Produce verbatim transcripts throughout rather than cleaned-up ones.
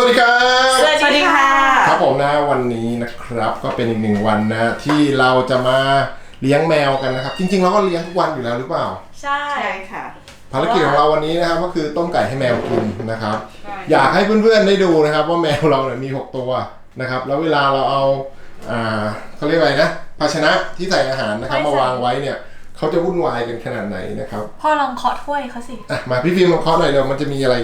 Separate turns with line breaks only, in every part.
ดีครับ
สวัสดีค่ะ
ครับผมนะวันนี้นะครับก็เป็นอีกหนึ่งวันนะที่เราจะมาเลี้ยงแมวกันนะครับจริงๆเราก็เลี้ยงทุกวันอยู่แล้วหรือเปล่า
ใช่ค่ะ
ภารกิจของเราวันนี้นะครับก็คือต้มไก่ให้แมวกินนะครับอยากให้เพื่อนๆได้ดูนะครับว่าแมวเราเนี่ยมีหกตัวนะครับแล้วเวลาเราเอาอ่าเขาเรียกอะไรนะภาชนะที่ใส่อาหารนะครับมาวางไว้เนี่ยเขาจะวุ่นวายกันขนาดไหนนะครับ
พ่อลองเคาะถ้วยเขาสิ
อ่ะมาพี่ฟิล์มลองเคาะหน่อยเดี๋ยวมันจะมีอะไร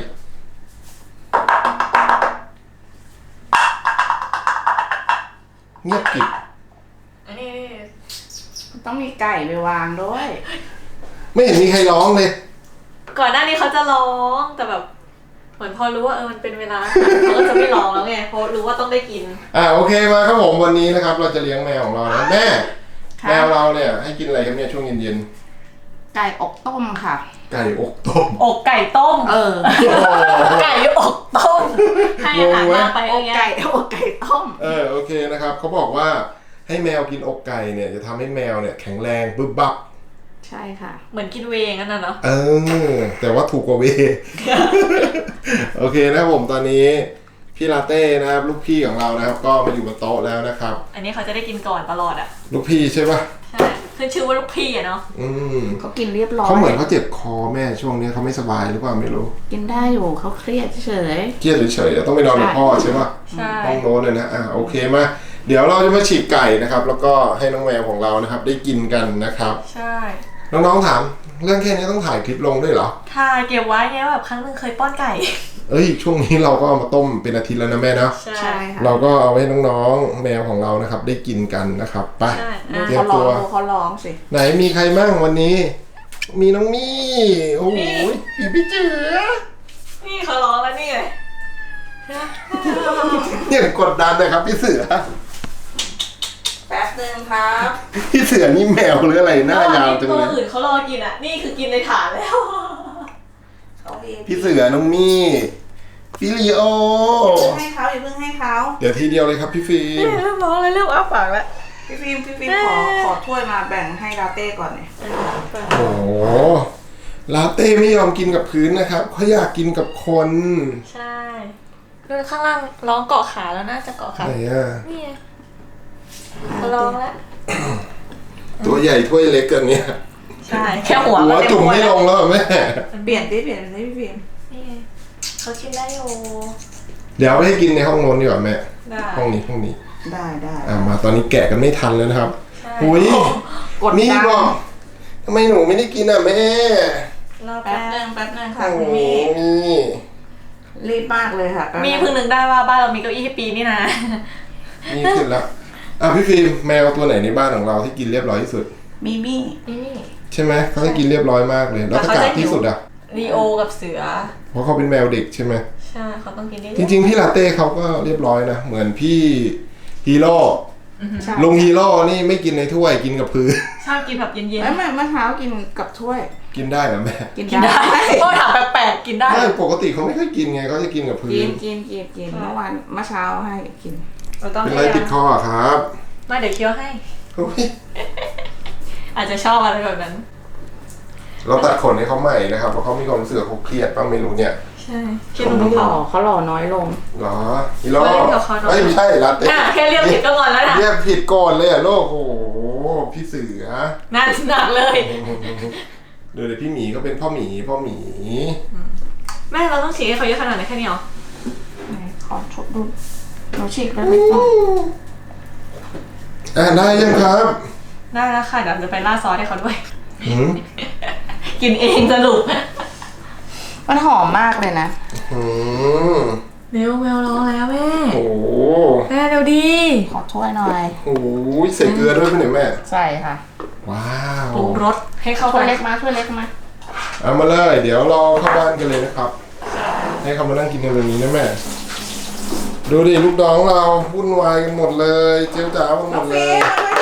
เงียบกริบ
อันนี้
ต้องมีไก่ไปวางด้วย
ไม่เห็นมีใครร้องเลย
ก่อนหน้านี้เขาจะร้องแต่แบบเหมือนพอรู้ว่าเออมันเป็นเวลาเขาก็จะไม่ร้องแล้วไงเพราะรู้ว่าต้องได้กิน
อ่าโอเคมาครับผมวันนี้นะครับเราจะเลี้ยงแมวของเรานะแม่แมวเราเนี่ยให้กินอะไรครับเนี่ยช่วงเย็น
ๆไก่อกต้มค่ะ
ไก่อกต้ม
อกไก่ต้ม
เออ
ไก่อกต้มให้อาหารมาไป
อกไก่อกไก่ต้ม
เออโอเคนะครับเขาบอกว่าให้แมวกินอกไก่เนี่ยจะทำให้แมวเนี่ยแข็งแรงบึ้บบับ
ใช่ค่ะ
เหมือนกินเวงนั่นน่ะเนาะ
เออแต่ว่าถูกกว่าเว โอเคนะครับผมตอนนี้พี่ลาเต้นะครับลูกพี่ของเรานะครับก็มาอยู่บนโต๊ะแล้วนะครับ
อันนี้เขาจะได้กินก่อนตลอดอ่ะ
ลูกพี่ใช่ปะ
ใช่ขึ้นชื่อว่าลูกพี่อะเนาะ
อืม
เขากินเรียบร้อย
เขาเหมือนเขาเจ็บคอแม่ช่วงนี้เขาไม่สบายหรือเปล่าไม่รู้
กินได้อยู่เขาเครียดเฉย
เครียดเฉยๆต้องไปนอนกับพ่อใช่ปะ
ใช่
ห้องโน้นเลยนะอ่ะโอเคมาเดี๋ยวเราจะมาฉีกไก่นะครับแล้วก็ให้น้องแมวของเรานะครับได้กินกันนะครับ
ใช่
น้องๆถามเรื่องแค่นี้ต้องถ่ายคลิปลงด้วยเหรอ
ถ่ายเก็บไว้ไงแบบครั้งนึงเคยป้อนไก่
เอ้ยช่วงนี้เราก็เอามาต้มเป็นอาทิตย์แล้วนะแม่นะ
ใช่
ค่ะ
เราก็เอาให้น้องๆแมวของเรานะครับได้กินกันนะครับไป
เตรียมตัวเขาร้องสิ
ไหนมีใครมั่งวันนี้มีน้องมี่โอ้โหพี่พี่เจ๋อ
นี่เขาร้องแล้วนี่ไง
เนี่ยกดดันเลยครับพี่เสือ
แป๊บนึงครับ
พี่เสือนี่แมวหรืออะไรหน้ายาวจังเลย
ตัวอื่นเขารอกินอ่ะนี่คือกินในถาดแล้ว
พี่เสือน้องมี่พี่ลีโอ
ให้เขาอย่าเพิ่งให้เขา
เดี๋ยวทีเดียวเลยครับพี่ฟิล์ม
เริ่มร้องเลยเริ่มอ้าปากแล้ว
พี่ฟิล์มพี่ฟิล์มขอขอถ้วยมาแบ่งให้ลาเต้ก่อนเนี่ย
โอ้ลาเต้ไม่ยอมกินกับพื้นนะครับเขาอยากกินกับคน
ใช่ดูข้างล่างร้องเกาะขาแล้วน่าจะเกาะขา
ไหนอ่ะ
นี่เขาร้องแล้ว
ตัวใหญ่ถ้วยเล็กกันเนี่ย
ใช่แค่หัว
หัวจุ่มไม่ลงแล้วแม่
เปลี่ยนดิเปลี่ยนดิพี่ฟิล์ม
นี่เขากินได้อยู่
เดี๋ยวไปให้กินในห้องโน้นดีกว่าแม่ห้องนี้ห้องนี้
ได้ได้
อ่ามาตอนนี้แกะกันไม่ทันแล้วนะครับหุยนี่บอกทำไมหนูไม่ได้กินอ่ะแม่
รอแป๊บนึง
แป๊บนึงค่ะคุณมีรีบมากเลยค่ะ
มีเพิ่งนึกได้ว่าบ้านเรามีเก้าอี้ให้ปีนี่นะ
นี่ขึ้นแล้วอ่ะพี่ฟิล์มแมวตัวไหนในบ้านของเราที่กินเรียบร้อยที่สุด
มีมี่
ใช่ไหมเขาจะกินเรียบร้อยมากเลยแล้วถ้ากาดที่สุดอ่ะ
ลีโอกับเสือ
เพราะเขาเป็นแมวเด็กใช่ไหม
ใช่เขาต้องกินได้
จริงๆพี่ลาเต้เขาก็เรียบร้อยนะเหมือนพี่ฮีโร่ลุงฮีโร่นี่ไม่กินในถ้วยกินกับพื้น
ชอบกินแบบเย็นๆ
ไม่ไม่เมื่อเช้ากินกับถ้วย
กินได้เหรอแม่
กินได้
ก็ถามแปลกๆกินได้
ไม่ปกติเขาไม่ค่อยกินไงเขาจะกินกับพื้น
กินกินกินกินเมื่อวานเมื่อเช้าให้กิน
เป็นไรติดคอครับ
มาเดี๋ยวเคี้ยวให้อาจจะชอบอะไรแบบนั้น
เราตัดขนให้เขาใหม่นะครับเพราะเขามีความรู้สึกเขาเครียดบ้างไม่รู้เนี่ย
ใช่เครีย
ดเขาหล่อเขาหล่อน้อยลง
หรออีหล่อไม่ใช่รัด
แค่เรียกผิดก็งอนแล้วนะ
เรียกผิดก่อนเลยอ่ะโลกโอ้โหพี่เสือ
หนักหนักเลย
เดี๋ยวพี่หมีก็เป็นพ่อหมีพ่อหมี
แม่เราต้องฉีกให้เขาเยอะขนาดไหนแค่นี้หรอ
ขอชดดูเราฉีกได้ไหม
อ่าได้ยังครับ
ได้แล้วค่ะเดี๋ยวจะไปล่าซอสให้เขาด้วยกินเองสรุป
มันหอมมากเลยนะ
เร็วแมวร้องแล้วแม่
โอ้
แม่เร็วดี
ขอถ้วยหน่อย
โอ้ยใส่เกลือด้วยป่ะเนี่ยแม่
ใส่ค่ะ
ว้าว
ปรุงรสให้เข้า
ถ้วยเล็กมาถ้วยเล็กมา
เอามาเลยเดี๋ยวรอเข้าบ้านกันเลยนะครับให้เขามานั่งกินในวันนี้นะแม่ดูดิลูกน้องเราวุ่นวายกันหมดเลยเจ้าจ๋าหมดเลย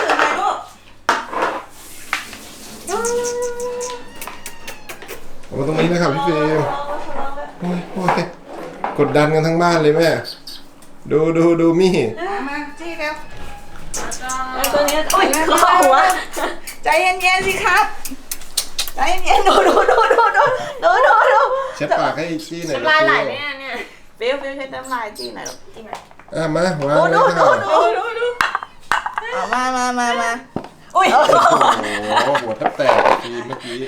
เอามาตรงนี้นะครับพี่เฟรมโอ้ยโอ้ยกดดันกันทั้งบ้านเลยแม่ดูดูดูมี่
มาจี้เร็ว
แล้วตัวนี้โอ้ยข้อหัว
ใจเย็นๆสิครับใจเย็นๆดูดูดูดูดูดูดูดู
เช็ดปากให้จี้หน่อย
ลายไหลเนี่ยเนี่ย
ฟิวฟิวใช้น้ำลายจี้หน่อยลูกจี้หน่อย
อ่ะมาวาง
โอ้
เล
ดู
ย
ดู
ค่ะ
ดูดูดูเอามามามามาอุ้ย
โอ้โหหัวแทบแตกอะฟิล์มเมื่อกี้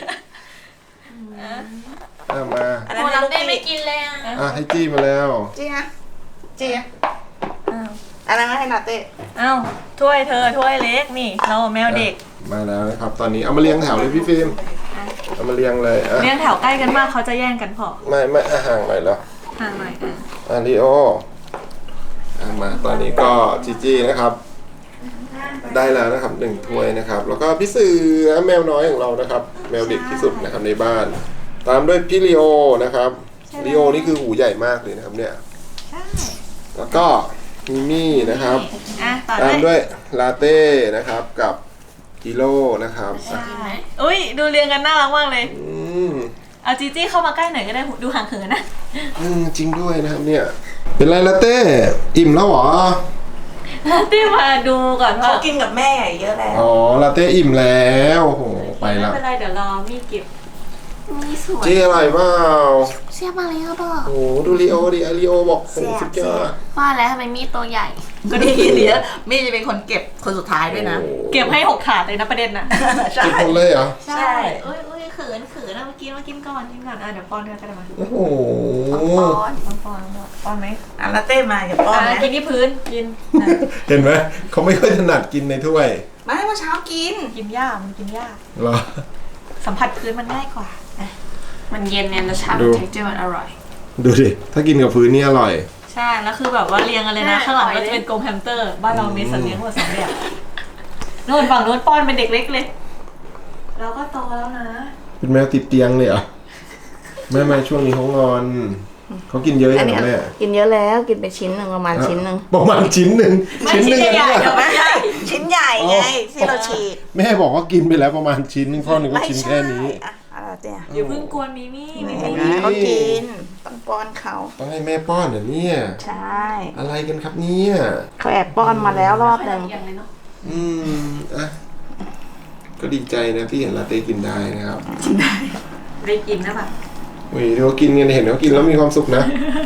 อ่ะมา
อัน
โม
นั้นให้
ลั
ลู
บ
ก
เต้
จี้
ไม่กินเลยอ่ะ
อ่ะให้จี้มาแล้ว
จี้ฮะจี้ฮะอันนั้นให้นาเต้
อ้าวถ้วยเธอถ้วยเล็กนี่เราแมวเด็ก
มาแล้วนะครับ ตอนนี้เอามาเรียงแถวเลยพี่ฟิล์มเอามาเรียงเลยอ่ะ
เลี้ยงแถวใกล้กันมากเขาจะแย่งกันพอ
ไม่ไม่อ่ะห่างหน่อยแล้ว
ห่างหน่อยอ่ะ
อ่ะลีโออ่ะมาตอนนี้ก็จีจี้นะครับ ได้แล้วนะครับหนึ่งถ้วยนะครับ แล้วก็พี่เสือแมวน้อยของเรานะครับ แมวเด็กที่สุดนะครับในบ้าน ตามด้วยพี่ลีโอนะครับลีโอนี่คือหูใหญ่มากเลยนะครับเนี่ย
ใช่
แล้วก็มิมี่นะครับ
อ่ะต่อ
ตาม
ด้
ด้
ว
วย ยลาเต้นะครับกับกิโลนะครับอ่ะ
อุ้ยดูเรียงกันน่ารักมากเลย
อืม
เอาจีจี้เข้ามาใกล้หน่อยก็ได้ดูห่างเหินนะ
อืมจริงด้วยนะครับเนี่ย เป็นไรลาเต้อิ่มแล้วเหรอ
ที่มาดูก่อนว่า
เขากินกับแม่เยอะแล้ว
อ๋อลาเต้อิ่มแล้วโอ้โหไป
ไม่
ละ
เป็นไรเดี๋ยวรอมีเก็บ
นี่สวย
เจ๊อร่อยเปล่า
เสียบมาเลยครับพ่อ
โอ้โหดูลีโอดิไอลีโอบอกโอ้โหสุดยอด
ว่าแล้วทำไมมีดตัวใหญ่
ก็ดีเดี๋ยวมี่จะเป็นคนเก็บคนสุดท้ายด้วยนะ
โอ้โห
เก็บให้หกขาดเลยนะประเด็นนะ
ใช่
กินคนเลยเหรอ
ใช่
เอ้ยเอ้ยเขินเขินนะมากินมากินก่อนกินก่อนอ่ะเดี๋ยวป้อนเธอก็ได้มา
โอ้โห
ป้อน
ป้อนป้อนป้อนไหม
อ่ะลาเต้มาอย่าป้อน
อ่ะ
นะ
กินที่พื้นกินอ่ะ
เห็นไหมเขาไม่ค่อยถนัดกินในถ้วย
ไม่เมื่อเช้ากิน
กินยากมันกินยาก
เหรอ
สัมผัสพื้นมันง่ายกว่าอ่ะ
มันเย็นเนี่ยนะชา
ดู
เท็กเจอร์มันอร่อย
ดูดิถ้ากินกับพื้นนี่อร่อย
ใช่แล้วคือแบบว่าเรียงกันเลยนะข้างหลังก็จะเป็นกรงแฮมสเตอร์บ้านเรามีสัตว์เลี้ยงหมดสองแบบโน่นฝั่งโน้นป้อนเป็นเด็กเล็กเลยเราก็โตแล้วนะ
เป็นแมวติดเตียงเลยเหรอแม่แม่ช่วงนี้เขางอนเขากินเยอะอย่างไรแม่
กินเยอะแล้วกินไปชิ้นหนึ่งประมาณชิ้นหนึ่ง
ประมาณชิ้นหนึ่ง
ไม่
ชิ้นหนึ่ง
ชิ้นใหญ่ๆ
เนี่ย
เดี๋ยวไม่ใช่
ชิ้นใหญ่ไงที่เราฉีก
แม่บอกว่ากินไปแล้วประมาณชิ้นนึงพ่อนึกว่าชิ้นแค่นี้
อ่ะอะไรเต้
อย่าเพิ่งกวนมิมี่มิ
เห็น
มี่
ไหมเขากินต้องป้อนเขา
ต้องให้แม่ป้อนเหรอเนี่ย
ใช่
อะไรกันครับเนี่ย
เขาแอบป้อนมาแล้วรอบหนึ่ง
อย่างเลยเนาะ
อืมอ่ะก็ดีใจนะที่เห็นลาเต้กินได้นะครับ
ได้กินนะแบบ
อุ้ยเขากินกันเห็นเขากินแล้วมีความสุขนะ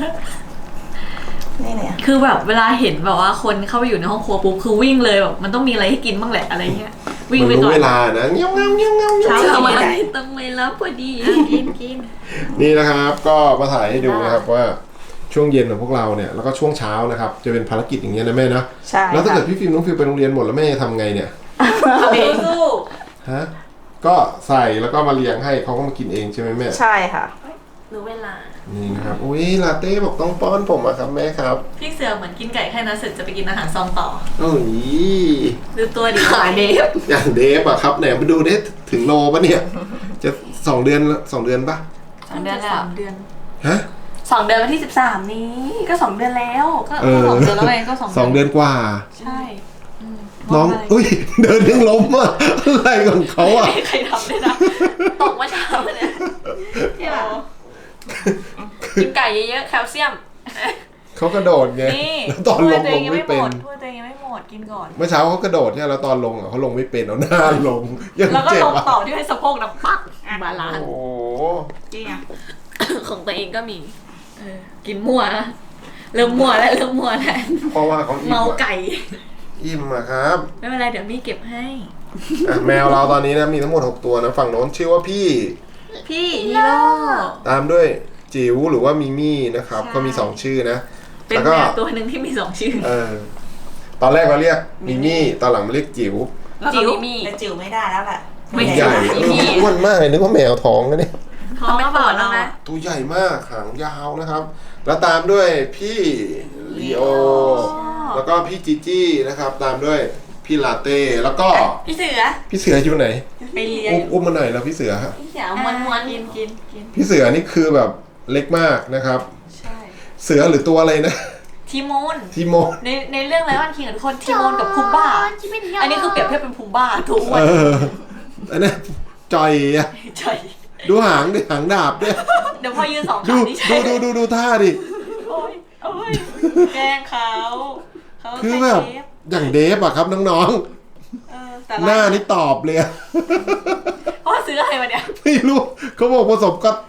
นี่เนี่ย
คือแบบเวลาเห็นแบบว่าคนเข้าไปอยู่ในห้องครัวปุ๊บคือวิ่งเลยแบบมันต้องมีอะไรให้กินบ้างแหละอะไรเงี้ยวิ่ง
มัน
ไป
รู้
ก่อน
เวลานะเงี้ยวเงี้ยวเงี้ยวเงี้ยว
เช้า
เช้า
ทำ
มา
อะไร
ได้
ต้องไปรับพอดีกินกิน
นี่นะครับ ก็มาถ่ายให้ดูนะครับว่าช่วงเย็นของพวกเราเนี่ยแล้วก็ช่วงเช้านะครับ จะเป็นภารกิจอย่างเงี้ยนะแม่นะ
ใช่
แล้วถ้า
ค่ะ
เกิดพี่ฟิล์มน้องฟิลไปโรงเรียนหมดแล้วแม่จะทำไงเนี่ย
เอาเองสู้
ฮะก็ใส่แล้วก็มาเลี้ยงให้เขาก็มากินเองใช่ไหมแม่
ใช่ค่ะ
รู้เวลา
นี่นะครับอุ้ยลาเต้บอกต้องป้อนผมอะครับแม่ครับ
พี่เสือเหมือนกินไก่แค่นั้นเสร็จจะไปกินอาหารซองต่อ
โอ้ย
ดูตัวดี
ขายเดฟ
อย่างเดฟอะครับไหนมาดูเดฟถึงโลปะเนี่ยจะสองเดือนสองเดือนปะ
สองเดือนแล้ว
สามเดือน
ฮะ
สองเดือนวันที่สิบสามนี้ ก็สองเดือนแล้ว
ก็
เออ
สองเดือนแล้วไงก็สอง
สองเดือนกว่า
ใช่อืม
น้อง
บกะไร
อุ้ยเดินยังล้มอะอะไรของเขาอะ
ไม่มีใครทำเลยนะตกเมื่อเช้าเลย
ที่แบบกินไก่เยอะๆแคลเซียม
เขากระโดดไง
นี่
แล้วตอนลง
ถ้วยตัว
ล
เอง ยัง
ไม่
ไม่ห
เป็
ม
น
ดถ้วยตัวเองยังไม่หมดกินก่อน
เมื่อเช้าเขากระโดดเนี่ยแล้วตอนลงอะเขาลงไม่เป็นเอาหน้าลงยัง
แล้วก็
เจ็
ล
บ
ง
อะ
ต่อที่ให้สะโพกนะปักบาลาน
โอ้
ซ์
โห
จริงอ่ะ
ของตัวเองก็มี
เออกินมั่วนะเริ่มมั่วแล้วเริ่มมั่วแล้ว
เพราะว่าเขาอิ่ม
เมา
อะ
ไก่
อิ่มอะครับ
ไม่เป็นไรเดี๋ยวมี่เก็บให้
อ่ะแมวเราตอนนี้นะมีทั้งหมดหกตัวนะฝั่งโน้นชื่อว่าพี่
พี่ฮีโร่
ตามด้วยจิ๋วหรือว่ามิมี่นะครับ
ใช่
ก็มีสองชื่อนะ
เป็น
แล้ว
แม
ก็
วตัวหนึ่งที่มีสองชื่อ
เออตอนแรกเราเรียกมิมี่ตอนหลังมาเรียกจิ๋ว
แล้วก็มีมี
แต่จิ๋วไม่ได้แล้วแหละ
ไม่
ใหญ่
มิมี่
อ้วนมากเลยนึกว่าแมวท้องนะเนี่ย
ท้องก็เปล่าแล้วนะ
ตัวใหญ่มากหางยาวนะครับ แล้วตามด้วยพี่ลีโอแล้วก็พี่จีจี้นะครับ ตามด้วยพี่ลาเต้แล้วก็
พี่เสือ
พี่เสืออยู่ไหน
ไปเลี้ยง
อุ้มอุ้มมาหน่อยแล้วพี่เสือฮะ
พี่เสือม้วนม้วน
กินกินกิน
พี่เสือนี่คือแบบเล็กมากนะครับ
ใช่
เสือหรือตัวอะไรนะ
ทีโมน
ทีโม
ในในเรื่องไลออนคิงกับทุกคนทีโมนกับพูบ้า อันนี้คือเปรียบเทียบเป็นพูบ้าถูกอ้ว
เอน ออันนี้จอยอะ
ใช่
ดูหางดิหางดาบด้วย
เดี๋ยวพอยืนสอง
ดู
ขานี่ใช่
ดูดูดูดูท่าดิ
โอ้ยโอ้ยแกล้งเขาเขา
คือ
ใส่
แบบ
เทป
อย่างเดฟอะครับน้อง
เออแต่
ๆหน้านี่ตอบเลยอะ
เพราะว่าซื้ออะไรมาเนี่ย
ไม่รู้เขาบอกผสมก็อตติด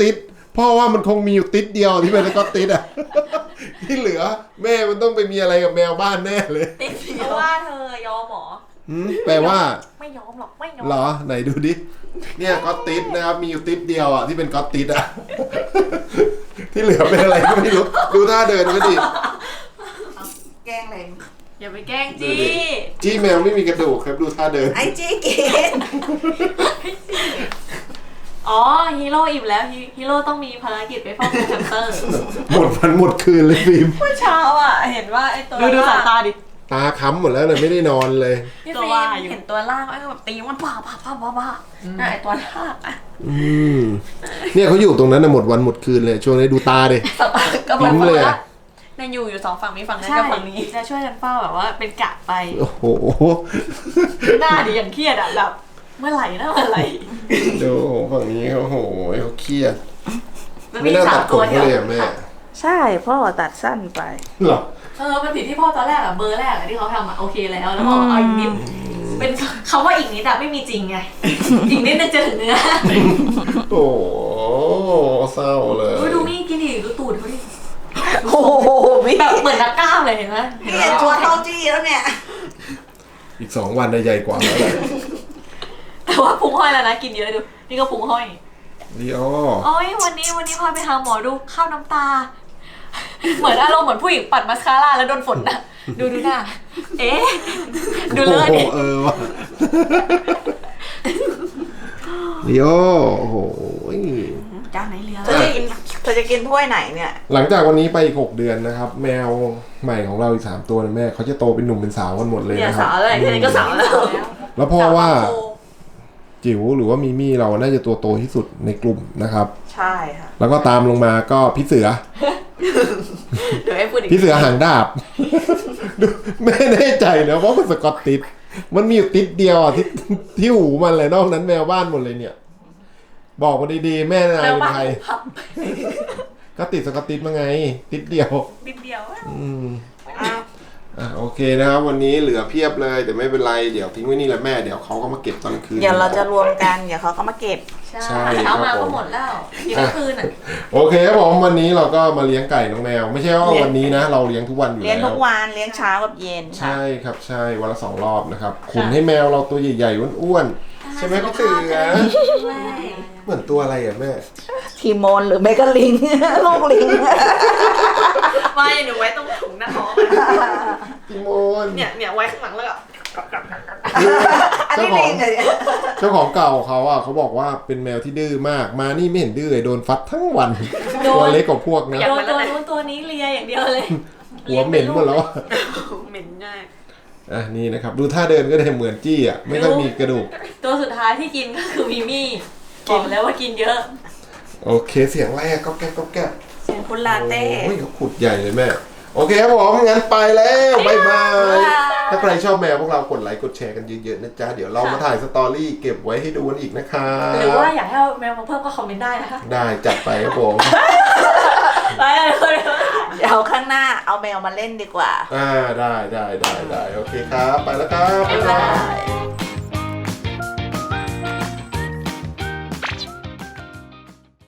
พ่อว่ามันคงมีอยู่ติดเดียวที่เป็นสกอตติดอ่ะ ที่เหลือแม่มันต้องไปมีอะไรกับแมวบ้านแน่เลย
ติดเพราะว่าเธอยอมหมอ
หืมแปลว่า
ไม่ยอมหรอกไม่ยอม
เหรอไหนดูดิเนี่ยก็อตติดนะครับมีอยู่ติดเดียวอ่ะที่เป็นก็อตติดอ่ะ ที่เหลือเป็นอะไรก็ไม่รู้ดูท่าเดินก็ดิ
แกล้งเลย
อย่าไปแกล้งจี
จี้แมวไม่มีกระดูกครับดูท่าเดิน
ไอ้จี้กิน
อ๋อฮีโร่อิ่มแล้วฮีฮีโร่ต้องมีภารกิจไปเฝ้าโกแฮมสเตอร์
หมดวันหมดคืนเลยฟิล์ม
เมื่อเช้าอ่ะเห็นว่าไอ้ตัวดูดูสายตาดิ
ตาค้ำหมดแล้วเลยไม่ได้นอนเลย
พี่
ตัว
ฟิ
ว่า
ล์ม
อยู่
เห็นตัวล่างไอ้ก็แบบตีมันบ้าบ้าบ้าบ้าบ้าน่ะไอ้ตัวล่างอะ
อืมเนี่ยเขาอยู่ตรงนั้นนะหมดวันหมดคืนเลยช่วงนี้ดูตาดิ
สตาร์ก็แบ
ยิ้
บ
มเลยอะ
เนี่ยอยู่อยู่สองฝั่งมีฝั่งนั้น
ใช่
กับฝั่งนี้จะช่วยกันเฝ้าแบบว่าเป็นกะไป
โอ้โห
หน้าดิอย่างเครียดอ่ะแบบเมื่อไหร่นะเมื่อไหร่
ดูฝั่งนี้เขาโอ้โหเขาเครียด
มัน
ไม่
มี
น่า
สา
ตั
ม
ดข
ตัวน เดียว
เขาเลยอะแม่
ใช่พ่อตัดสั้นไป
เหรอ
เออมันผิดที่พ่อตอนแรกอะเบอร์แรกอะที่เขาทำอะโอเคแล้วแล้วบอกเอาอีกนิดเป็นคำว่าอีกนิดอะไม่มีจริงไง อีกนิดนึงจะถึงเนื้อ
โอ้โหเศร้าเลย
ดูดูนี่กินดิดูตูดเขาดิ
โอ้โหพี่
แบบเหมือนนักกล้ามเลยเห็นไหมเห็นไหม
เห็นตัวเท่าจี้แล้วเนี่ย
อีกสองวันได้ใหญ่กว่าแล้วแหละ
แต่ว่าพุงห้อยแล้วนะกินเยอะดูนี่ก็พุงห้อย
ลีโอ
โอ้ยวันนี้วันนี้พาไปหาหมอดูข้าวน้ำตา เหมือนอารมณ์เหมือนผู้หญิงปัดมัสคาร่าแล้วโดนฝนนะดูดูหน้าเอ๊ะดูเลย
โอ้
ดิ
โหเออว่ะลีโอโอ้โห
จานไหนเหลือ
เธอจะกินเธอจะกินถ้วยไหนเนี่ย
หลังจากวันนี้ไปอีกหกเดือนนะครับ แมวใหม่ของเราอีกสามตัวนะแม่เขาจะโตเป็นหนุ่มเป็นสาวกันหมดเลย
เนี่ย
นะครับ
สาวอะไรแค่นี้ก็สาวแล้ว
แล้วพ่อว่าจิ๋วหรือว่ามิมี่เราน่าจะตัวโตที่สุดในกลุ่มนะครับ
ใช่ค่ะ
แล้วก็ตามลงมาก็พี่เสือ
เดี๋ยวให้พูดอีก
พี่เสือหางดาบ ดูไม่แน่ใจนะว่ามันสกอตติดมันมีอยู่ติดเดียวอ่ะที่ที่หูมันเลยนอกนั้นแมวบ้านหมดเลยเนี่ย บอกมาดีๆแม่นาย
แล้ว
เป็น
บ้าง
ใคร
พับ
ก็ติดสกอตติดมาไง ติดเดียว
นิดเดียวอะ
อืม
อ้าว
อ่ะโอเคนะครับวันนี้เหลือเพียบเลยแต่ไม่เป็นไรเดี๋ยวทิ้งไว้นี่แหละแม่เดี๋ยวเขาก็มาเก็บตอนกลางคืน
เดี๋ยวเราจะรวมกันเดี๋ยวเขาก็มาเก็บ
ใช่
ใช่
เช้ามา
ครับผม
ก็หมดแล้วกินทั้งคืนอ่ะ
โอเคครับผมวันนี้เราก็มาเลี้ยงไก่น้องแมว ไม่ใช่ว่าวันนี้นะ เราเลี้ยงทุกวันอยู่
เลี้ยง
แล้
ทุ
ว
กวันเลี้ยงเช้ากับเย็นค่ะ
ใช่ครับใช่วันละสองรอบนะครับขุนให้แมวเราตัวใหญ่ๆอ้วนๆใช่ไหมพี่เสือเหมือนตัวอะไรอ่ะแม่
ทีโมนหรือไม่ก็ลิง ลูกลิง
ไม่หนูไว้ตรงถุงหน้าท้อง
พี่โมน
เนี่ยเนี่ยไว้ข้างหลังแล้วก็
อัน
เจ้า
นี้
ขอ
ลิ
ง
งเลย
เจ้าของเก่าเขาอ่ะเขาบอกว่าเป็นแมวที่ดื้อมากมานี่ไม่เห็นดื้อเลยโดนฟัดทั้งวันตัวเล็กกว่าพวกนะ
โดนตัวนู้นตัวนี้เลียอย่างเดียวเลย
หัวเหม็นหมดแล้วอะ
เหม็นง่าย
อ่ะนี่นะครับดูท่าเดินก็ได้เหมือนจี้อ่ะไม่ค่อยมีกระดูก
ตัวสุดท้ายที่กินก็คือมิมี่บอกแล้วว่ากินเยอะ
โอเคเสียงแรกก็แก๊กก็แก๊ก
เสียงคุณลาเต้
โอ้ยเขาขุดใหญ่เลยแม่โอเคครับผมงั้นไปแล้วบ๊ายบายถ้าใครชอบแมวพวกเรากดไลค์กดแชร์กันเยอะๆนะจ๊ะเดี๋ยวเรามาถ่ายสตอรี่เก็บไว้ให้ดูกันอีกนะคะ
หรือว่าอยากให้เอาแมวมาเพิ่มก็คอมเมนต์ได้นะคะ
ได้จัดไปครับผม
ไปเลย
เดี๋ยวข้างหน้าเอาแมวมาเล่นดีกว่า
อ่าได้ได้ได้ได้โอเคครับไปแล้วครับบ๊ายบาย